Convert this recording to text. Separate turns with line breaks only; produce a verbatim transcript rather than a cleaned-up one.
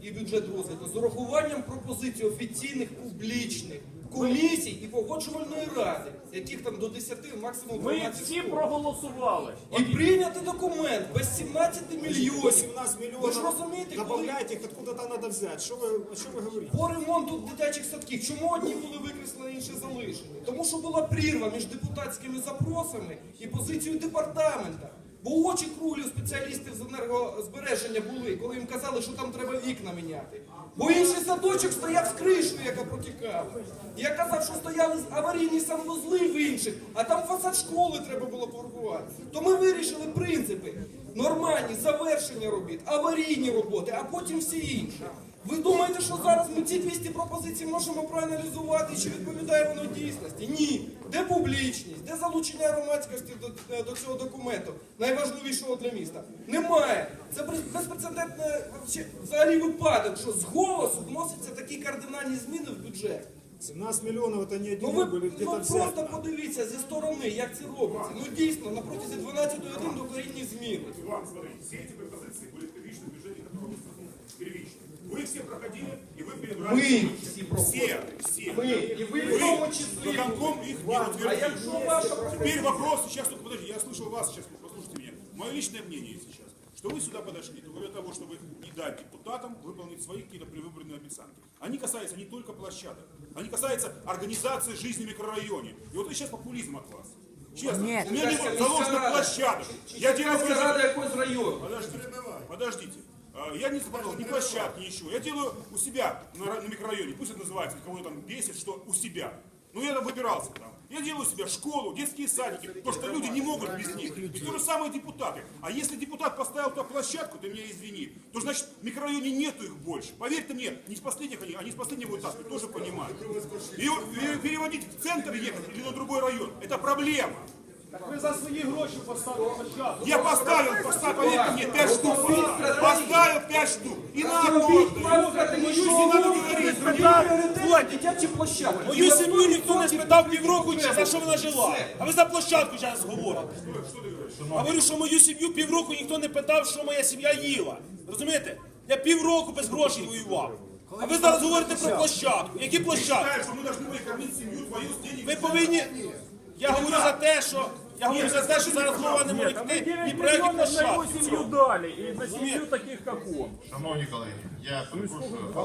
і бюджет розвитку з урахуванням пропозицій офіційних публічних комісій і погоджувальної ради, яких там до десяти, максимум
Ми
дванадцять.
всі проголосували.
І прийняти документ без сімнадцяти мільйонів.
восемнадцать
Ви ж
миллионов
розумієте, коли
добавляете, их откуда-то надо взять. Что вы, о чем вы говорите?
по ремонту дитячих садків, чому одні були викреслені, інші залишені? Тому що була прірва між депутатськими запросами і позицією департамента. Бо очі круглі у спеціалістів з енергозбереження були, коли їм казали, що там треба вікна міняти. Бо інший садочок стояв з кришою, яка протікала. Я казав, що стояли аварійні санвузли в інших, а там фасад школи треба було порахувати. То ми вирішили принципи. Нормальні завершення робіт, аварійні роботи, а потім всі інші. Ви думаєте, що зараз ми ці двісті пропозицій можемо проаналізувати, чи відповідає воно дійсності? Ні. Де публічність, де залучення громадськості до, до цього документу, найважливішого для міста? Немає. Це безпрецедентний взагалі випадок, що з голосу вносяться такі кардинальні зміни в бюджет.
семнадцать миллионов это не
Ну
один
ви
рубль,
ну,
где-то
просто
взять.
подивіться зі сторони, як це робиться. Ну дійсно, на протязі дванадцятої години докорінні зміни.
Иван, смотри, все эти пропозиции были первичны в бюджете, который вы сказали. Первично. Вы все проходили, и вы перебрали.
Ми всі проходимо.
Все, все.
Ми, і ви в тому числі.
Виконком их не
А
утвердил.
якщо ваша
Теперь вопрос, сейчас только подожди, я слышал вас, сейчас послушайте меня. Мое личное мнение сейчас, что вы сюда подошли только для того, чтобы не дать депутатам выполнить свои какие-то предвыборные обещания. Они касаются не только площадок, они касаются организации жизни в микрорайоне. И вот это сейчас популизм от вас. Честно,
Нет.
у меня не было заложено площадок. Я делаю
Це рада якогось району.
Подождите, подождите. А, Я не заплатил ни площадки, ничего. Я делаю у себя на, ра- на микрорайоне, пусть это называется, кого там бесит, что у себя. Ну я там выбирался там. Я делаю у себя школу, детские садики, потому что люди не могут без них. И то же самое депутаты. А если депутат поставил туда площадку, ты меня извини, то значит в микрорайоне нету их больше. Поверьте мне, не с последних они, они с последнего этапа тоже понимают. И, и переводить в центр ехать или на другой район, это проблема.
Ви за свої гроші поставили площадку.
Я поставил, поставил, поверьте мне, пять штук поставил. Поставил пять штук. И на одну.
Пріоритет дитячі площадки.
Мою сім'ю ніхто не спитав півроку, чи за що вона жила. А ви за площадку зараз говорите. Говорю, що мою сім'ю півроку ніхто не питав, що моя сім'я їла. Розумієте? Я півроку без грошей воював. А ви зараз говорите про площадку. Які площадки?
Считаю, что мы должны были кормить семью твою с денег.
Ви повинні... Я говорю за те, що... Я говорю за те, що зараз мова не може йти ні про які площадки.
сім'ю далі, і на сім'ю таких, як он.
Шановні колеги, я перепрошую.